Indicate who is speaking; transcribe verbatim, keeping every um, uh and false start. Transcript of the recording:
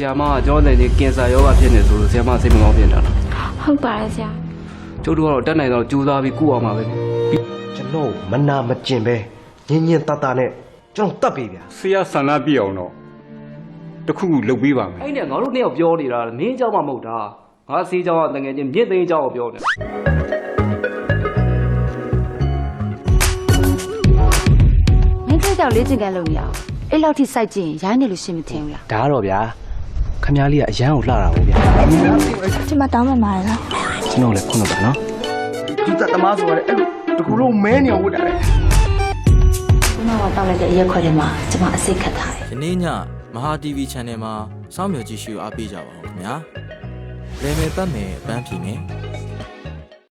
Speaker 1: ဆီယာမကကျွန်တော်လည်းကင်ဆာယောဂဖြစ်နေဆိုလို့ဆီယာမစိတ်မကောင်းဖြစ်နေတာလား
Speaker 2: ဟုတ်ပါတယ်ဆရာ
Speaker 1: ကျုပ်တို့ကတော့တက်နိုင်တော့ကြိုးစားပြီးကုအောင်ပါပဲ
Speaker 3: ကျွန်တော်မနာမကျင်ပဲညင်ညင်တတနဲ့ကျွန်တော်တတ်ပြီဗျာ
Speaker 4: ဆရာဆန္ဒပြအောင်တော့တခုခုလုပ်ပေးပါမယ်
Speaker 1: အဲ့နဲ့ငါတို့နှစ်ယောက်ပြောနေတာမင်းเจ้าမှမဟုတ်တာငါစီးเจ้าကတကယ်ချင်းမြင့်သိန်းเจ้าကိုပြောနေ
Speaker 2: မင်းတို့ကြောင့်လေ့ကျင့်ခန်းလုပ်နေအောင်အဲ့လောက်ထိစိုက်ကြည့်ရင်ရိုင်းနေလို့ရှင်းမထင်ဘူးလား
Speaker 3: ဒါကတော့ဗျာခမ ्या လေးကအရန်ကိုလှတာပေါ့ဗျာ
Speaker 2: ကျမတောင်းမှမှာလား
Speaker 3: ကျွန်တော်လည်းခုနကနော်သူတသမားဆိုရတယ်အဲ့လိုတကူလုံးမဲနေဝတ်တာလေ
Speaker 2: ကျမကတောင်းလိုက်တဲ့အရက်ခွက်ထဲမှာကျမအစိတ်ခတ်ထားတယ်
Speaker 5: ယနေ့ညမဟာ တီဗီ Channel မှာစောင့်မျှော်ကြည့်ရှုအားပေးကြပါဦးခင်ဗျာလေမယ်ပတ်မယ်ပန်းဖြေမယ်